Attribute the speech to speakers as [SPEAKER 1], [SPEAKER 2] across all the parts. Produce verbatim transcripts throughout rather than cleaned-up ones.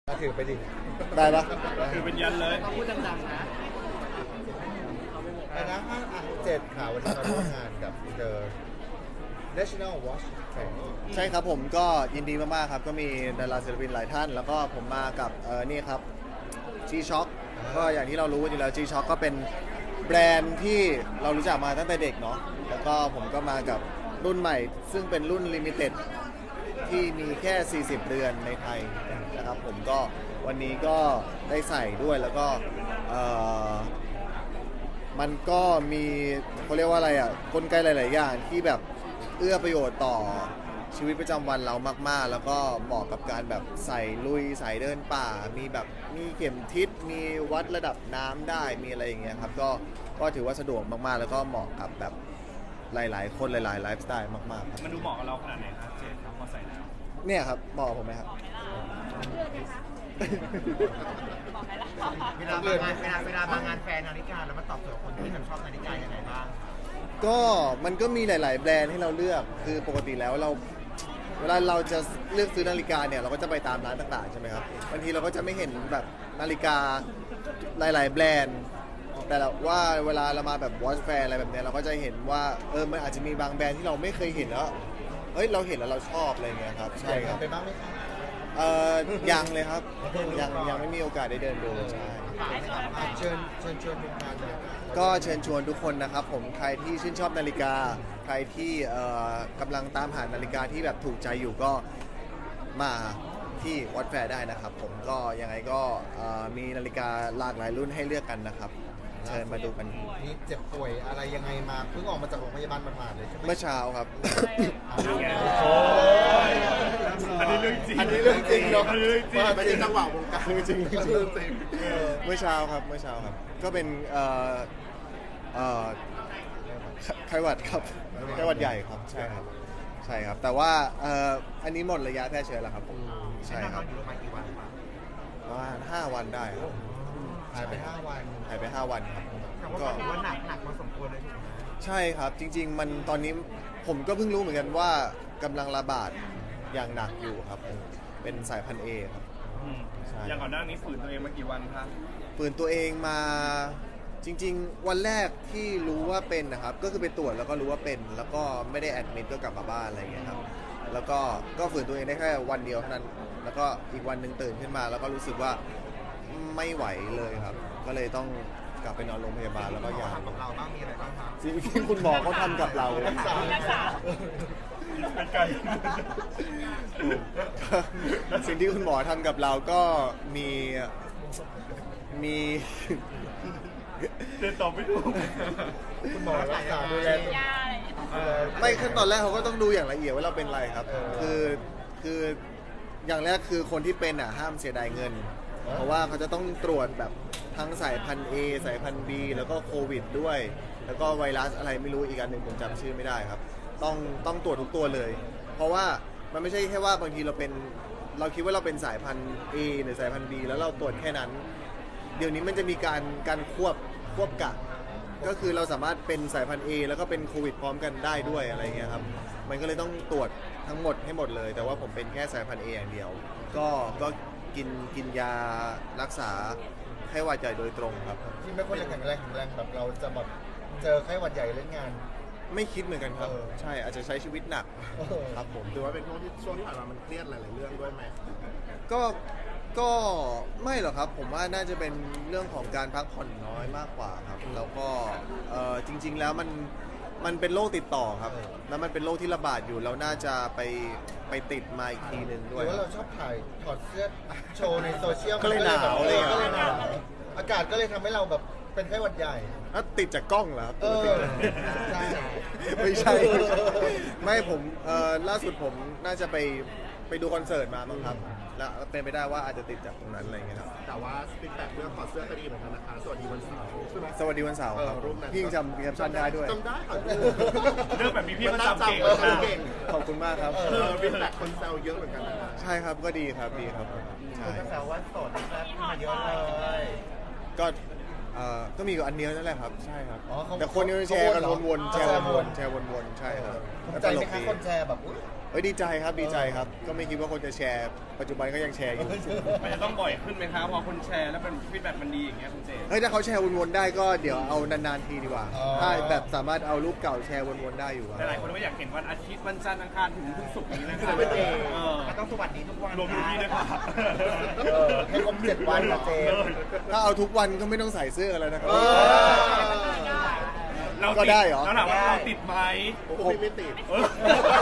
[SPEAKER 1] ถือไปดิ
[SPEAKER 2] ได้ปะ
[SPEAKER 3] ถือเป็นยันเลย
[SPEAKER 4] พูดดังๆนะ
[SPEAKER 1] ไปนะห้าอ่ะเจ็ดข่าววันนี้เราร่วมงานกับ The National Watch Fair
[SPEAKER 2] ใช่ครับผมก็ยินดีมากๆครับก็มีดาราศิลปินหลายท่าน แล้วก็ผมมากับเออนี่ครับ G-Shock ก็อย่างที่เรารู้อยู่แล้ว G-Shock ก็เป็นแบรนด์ที่เรารู้จักมาตั้งแต่เด็กเนาะแล้วก็ผมก็มากับรุ่นใหม่ ซึ่งเป็นรุ่น Limited ที่มีแค่ สี่สิบ เดือนในไทยนะครับผมก็วันนี้ก็ได้ใส่ด้วยแล้วก็เอ่อมันก็มีเขาเรียกว่าอะไรอ่ะกลไกหลายๆอย่างที่แบบเอื้อประโยชน์ต่อชีวิตประจำวันเรามากๆแล้วก็เหมาะกับการแบบใส่ลุยใส่เดินป่ามีแบบมีเข็มทิศมีวัดระดับน้ำได้มีอะไรอย่างเงี้ยครับก็ก็ถือว่าสะดวกมากๆแล้วก็เหมาะกับแบบหลายๆคนหลายๆไลฟ์สไตล์มากๆครับ
[SPEAKER 3] มันดูเหมาะกับเราขนาดไหนครับเจนครับพอใส่แล้ว
[SPEAKER 2] เนี่ยครับเหมาะกับผมไหมครับ
[SPEAKER 4] เวลามางานเวลาเวลามางานแฟนนาฬิกาแล้วมาตอบโจทย์คนที่ชอบนาฬิกาอย่างไรบ้าง
[SPEAKER 2] ก็มันก็มีหลายๆแบรนด์ให้เราเลือกคือปกติแล้วเราเวลาเราจะเลือกซื้อนาฬิกาเนี่ยเราก็จะไปตามร้านต่างๆใช่ไหมครับบางทีเราก็จะไม่เห็นแบบนาฬิกาหลายๆแบรนด์แต่ว่าเวลาเรามาแบบวอชแฟร์อะไรแบบเนี้ยเราก็จะเห็นว่าเออมันอาจจะมีบางแบรนด์ที่เราไม่เคยเห็นแล้วเฮ้ยเราเห็นแล้วเราชอบอะไรเงี้ยครับใช่ครับ
[SPEAKER 1] ไปบ้างไหมครับ
[SPEAKER 2] เอ่อยังเลยครับยังยังไม่มีโอกาสได้เดินดูใช่
[SPEAKER 1] เชิญเชิญชวนทุกท่านเลย
[SPEAKER 2] ก็เชิญชวนทุกคนนะครับผมใครที่ชื่นชอบนาฬิกาใครที่เอ่อกำลังตามหานาฬิกาที่แบบถูกใจอยู่ก็มาที่วัดแฟร์ได้นะครับผมก็ยังไงก็มีนาฬิกาหลากหลายรุ่นให้เลือกกันนะครับเชิญมาดูกัน
[SPEAKER 1] นี่เจ็บป่วยอะไรยังไงมาเพิ่งออกมาจากโรงพยาบาลมาๆเลยใช่ไหม
[SPEAKER 2] เมื่อเช้าครับ
[SPEAKER 3] อันนี้เรื่องจริง
[SPEAKER 1] อันนี้เรื่องจริงเนาะ
[SPEAKER 3] ไม่ใช่จังหวะวงการ
[SPEAKER 2] จริงจริงเมื่อเช้าครับเมื่อเช้าครับก็เป็นเอ่อเอ่อไข้หวัดครับไข้หวัดใหญ่ครับใช่ครับใช่ครับแต่ว่าเอ่ออันนี้หมดระยะแพร่เชื้อแล้วครับผมใช่ครับประมาณห้าวันได้ครับ
[SPEAKER 1] หายไปห้าวัน
[SPEAKER 2] หายไปห้าวันครับ
[SPEAKER 4] ก็ถือว่าหนักหนักพอสมควรเลย
[SPEAKER 2] ใช่ครับจริงๆมันตอนนี้ผมก็เพิ่งรู้เหมือนกันว่ากำลังระบาดอย่างหนักอยู่ครับเป็นสายพันธุ์ A ครับ
[SPEAKER 3] อย่างก่อนหน้านี้ฝืนตัวเองมากี่วันครับ
[SPEAKER 2] ฝืนตัวเองมาจริงๆวันแรกที่รู้ว่าเป็นนะครับก็คือไปตรวจแล้วก็รู้ว่าเป็นแล้วก็ไม่ได้แอดมิดก็กลับมาบ้านอะไรอย่างเงี้ยครับแล้วก็ก็ฝืนตัวเองได้แค่วันเดียวเท่านั้นแล้วก็อีกวันหนึ่งตื่นขึ้นมาแล้วก็รู้สึกว่าไม่ไหวเลยครับก็เลยต้องกลับไปนอนโรงพยาบาลแล้วก็ยา
[SPEAKER 4] ของเราบ้างมีอะไรบ้างครับ
[SPEAKER 2] สิ่งที่คุณหมอเขาทำกับเรา
[SPEAKER 3] รักษาเป็นไกล
[SPEAKER 2] สิ่งที่คุณหมอทำกับเราก็มีมี
[SPEAKER 3] เดินต่อไม่ถูก
[SPEAKER 1] คุณหมอรักษาดูแล
[SPEAKER 2] ไม่ขั้นตอนแรกเขาก็ต้องดูอย่างละเอียดว่าเราเป็นอะไรครับคือคืออย่างแรกคือคนที่เป็นอ่ะห้ามเสียดายเงินเพราะว่าเขาจะต้องตรวจแบบทั้งสายพันธุ์ A สายพันธุ์ B แล้วก็โควิดด้วยแล้วก็ไวรัสอะไรไม่รู้อีกอันหนึ่งผมจำชื่อไม่ได้ครับต้องต้องตรวจทุกตัวเลยเพราะว่ามันไม่ใช่แค่ว่าบางทีเราเป็นเราคิดว่าเราเป็นสายพันธุ์ A หรือสายพันธุ์ B แล้วเราตรวจแค่นั้นเดี๋ยวนี้มันจะมีการการควบควบกะก็คือเราสามารถเป็นสายพันธุ์ A แล้วก็เป็นโควิดพร้อมกันได้ด้วยอะไรเงี้ยครับมันก็เลยต้องตรวจทั้งหมดให้หมดเลยแต่ว่าผมเป็นแค่สายพันธุ์ A อย่างเดียวก็ก็กินกินยารักษาไข้หวัดใหญ่โดยตรงครับ
[SPEAKER 1] ที่ไม่ค่อยแข็งแรงแข็งแรงแบบเราจะแบบเจอไข้หวัดใหญ่เล่นงาน
[SPEAKER 2] ไม่คิดเหมือนกันครับใช่อาจจะใช้ชีวิตหนักครับผม
[SPEAKER 3] ถือว่าเป็นช่วงที่ช่วงที่ผ่านมามันเครียดหลายๆเรื่องด้วยไหม
[SPEAKER 2] ก็ก็ไม่หรอกครับผมว่าน่าจะเป็นเรื่องของการพักผ่อนน้อยมากกว่าครับแล้วก็จริงๆแล้วมันมันเป็นโรคติดต่อครับแล้วมันเป็นโรคที่ระบาดอยู่เราน่าจะไปไปติดมาอีกทีนึงด้วย
[SPEAKER 1] หรือว่าเราชอบถ่ายถอดเสื้อโชว์ในโซเชียล
[SPEAKER 2] ก็เลยหนาวเลย
[SPEAKER 1] ก็เลยหนาวอากาศก็เลยทำให้เราแบบเป็นไข้หวัดใหญ่
[SPEAKER 2] แล้วติดจากกล้องเหรอครับ
[SPEAKER 1] ใช่
[SPEAKER 2] ไม่ใช่ไม่ผมล่าสุดผมน่าจะไปไปดูคอนเสิร์ตมาบ้างครับแล้วเป็นไปได้ว่าอาจจะติดจากตรงนั้นอะไรเงี้ยครับ
[SPEAKER 3] แต่ว่าฟีดแบ็กเรื่องถอดเสื้อก็ดีเหมือนกันนะคะสวัสดีวันเสาร์ใช่ไหม
[SPEAKER 2] สวัสดีวันเสาร์ครับพี่ยังจำแคปชั่นได้ด้วย
[SPEAKER 3] จำได้ค่ะเรื่องแบบนี้พี่มันจำเก่ง
[SPEAKER 2] ขอบคุณมากครับ
[SPEAKER 3] ฟีดแบ็กคนแซวเยอะเหมือนกัน
[SPEAKER 2] ใช่ครับก็ดีครับดีครับ
[SPEAKER 4] ใช่แซวว่าโสดแล้วมาเยอะเลย
[SPEAKER 2] ก็ก็มีกับอันเดียวนั่นแหละครับใช่ครับแต่คนยังแชร์กันวนๆแชร์วนๆแชร์วนๆใช่ครับ
[SPEAKER 1] ใจไหมคะคนแชร์แบบ
[SPEAKER 2] เฮ้ยดีใจครับดีใจครับ ก็ไม่คิดว่าคนจะแชร์ปัจจุบันก็ยังแชร์อยู่
[SPEAKER 5] มันจะต้องบ่อยขึ้นไหมครับพอคนแชร์แล้วเป็นฟีดแบ็กมันดีอย่างเงี้ยคุณเจ
[SPEAKER 2] เฮ้ยถ้าเขาแชร์วนๆได้ก็เดี๋ยวเอานานๆทีดีกว่า
[SPEAKER 1] อ๋อ
[SPEAKER 2] ถ้าแบบสามารถเอารูปเก่าแชร์วนๆได้อยู่อะ
[SPEAKER 5] แต่หลายคนก็อยากเห็นวันอาทิตย์วันจันทร์อังคารถึงทุกศุกร์นี้นะครับ
[SPEAKER 3] ไม่เจ
[SPEAKER 5] เออ
[SPEAKER 4] มันต้องสวัสดีทุกวัน
[SPEAKER 5] รวมอยู่ที่ด้วยครับ
[SPEAKER 1] เออให้ครบเจ็ดวันนะเจมส์
[SPEAKER 2] ถ้าเอาทุกวันก็ไม่ต้องใส่เสื้อแล้วนะครับ
[SPEAKER 1] เออ
[SPEAKER 5] เรา
[SPEAKER 2] ก็ได้เหรอ
[SPEAKER 5] แล้วถามว่าเราติดไหม
[SPEAKER 3] ผมไม่ติด
[SPEAKER 5] เออ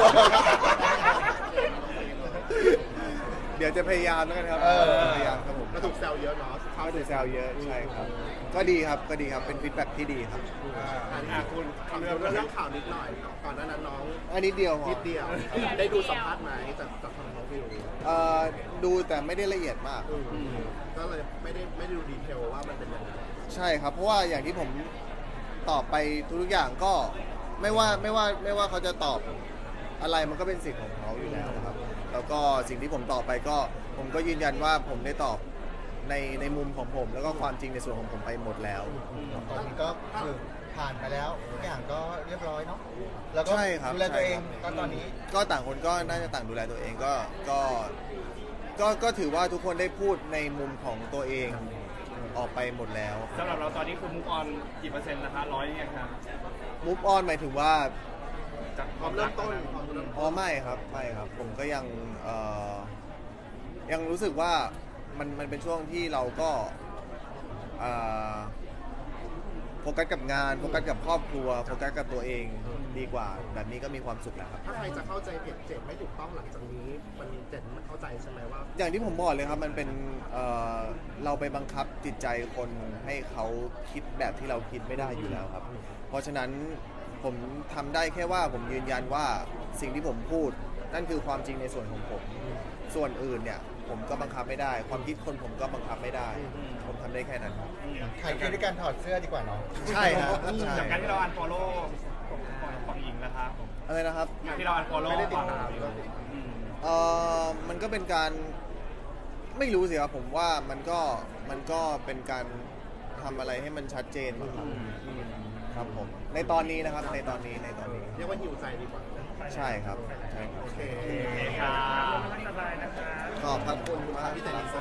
[SPEAKER 2] เดี๋ยวจะพยายามแล้วกันครับ
[SPEAKER 1] เออ
[SPEAKER 2] พยายามครับผม
[SPEAKER 3] ก็ถูกแซวเยอะเนาะ
[SPEAKER 2] เข้าดูแซวเยอะใช่ครับ ก็ดีครับก็ดีครับเป็นฟีดแบ็กที่ดีครับ
[SPEAKER 3] อันนี้
[SPEAKER 5] อ่ะคุณ
[SPEAKER 3] ขอเรื่องเรื่องข่าวนิดหน่อยก่อนหน้านั้นน้อง
[SPEAKER 2] อันนี้เดียวพอ
[SPEAKER 3] นิดเดียว ได้ดูสัมภาษณ์ไหมจากจากทางน้องวิว
[SPEAKER 2] เอ่อดูแต่ไม่ได้ละเอียดมาก
[SPEAKER 3] อืมก็เลยไม่ได้ไม่ได้ดูดีเทลว่ามันเป็นยังไง
[SPEAKER 2] ใช่ครับ เพราะว่าอย่างที่ผมตอบไปทุกๆอย่างก็ไม่ว่าไม่ว่าไม่ว่าเขาจะตอบอะไรมันก็เป็นสิทธิ์ของเขาอยู่แล้วนะครับ แล้วก็สิ่งที่ผมตอบไปก็ผมก็ยืนยันว่าผมได้ตอบในในมุมของผม แล้วก็ความจริงในส่วนของผมไปหมดแล้ว
[SPEAKER 1] ตอนนี้ก็คือผ่านไปแล้วทุกอย่างก็เรียบร้อยเนาะแล้วก็
[SPEAKER 2] ใช่ครับ
[SPEAKER 1] ดูแลตัวเอง
[SPEAKER 2] ใช่ครับ
[SPEAKER 1] ก็ตอนนี้
[SPEAKER 2] ก็ต่างคนก็น่าจะต่างดูแลตัวเองก็ก็ก็ก็ถือว่าทุกคนได้พูดในมุมของตัวเองออกไปหมดแล้ว
[SPEAKER 5] สำหรับเราตอนนี้คือมุกออนกี่เปอร์เซ็นต์นะคะร้อยยังครับ
[SPEAKER 2] มูฟออนหมายถึงว่า
[SPEAKER 5] จาก
[SPEAKER 3] พร้อมเริ่มต้นพร้อมเริ่ม
[SPEAKER 2] อ๋อไม่ครับไม่ครับ ผมก็ยังเอ่อยังรู้สึกว่ามันมันเป็นช่วงที่เราก็เอ่อโฟกัสกับงานโฟกัสกับครอบครัวโฟกัสกับตัวเองดีกว่า แบบนี้ก็มีความสุขแล้วครับ
[SPEAKER 3] ถ้าใครจะเข้าใจเพจเจ็ดไม่ถูกต้องหลังจากนี้ มันเจ็ดมันเข้าใจใช่ไหมว่า
[SPEAKER 2] อย่างที่ผมบอกเลยครับมันเป็นเอ่อเราไปบังคับจิตใจคนให้เขาคิดแบบที่เราคิดไม่ได้อยู่แล้วครับ เพราะฉะนั้นผมทำได้แค่ว่าผมยืนยันว่าสิ่งที่ผมพูด นั่นคือความจริงในส่วนของผม ส่วนอื่นเนี่ยผมก็บังคับไม่ได้ ความคิดคนผมก็บังคับไม่ได้ ผมทำได้แค่นั้นครับ
[SPEAKER 1] ขายคือด้วยการถอดเสื้อดีกว่าเนาะ
[SPEAKER 2] ใช่ครับใช่
[SPEAKER 5] จากการที่เราอันฟอลโล่ฝั่งหญิงนะครับ
[SPEAKER 2] อะไรนะครับ
[SPEAKER 5] ที่เราอันฟอลโล่
[SPEAKER 3] ไม่ได้ติด
[SPEAKER 5] ฝั่ง
[SPEAKER 3] ตาม
[SPEAKER 5] หญิง
[SPEAKER 3] ก็
[SPEAKER 5] อืม
[SPEAKER 2] เอ่อมันก็เป็นการไม่รู้สิครับผมว่ามันก็มันก็เป็นการทำอะไรให้มันชัดเจนมั้งครับอืมครับผมในตอนนี้นะครับในตอนนี้ในตอนนี้
[SPEAKER 3] เรียกว่าหิวใจดีกว่า
[SPEAKER 2] ใช่ครับใช่ครับ
[SPEAKER 3] โอเค
[SPEAKER 5] โอเคครับ
[SPEAKER 2] ขอบพระคุณมาก
[SPEAKER 3] พี่เจนนี่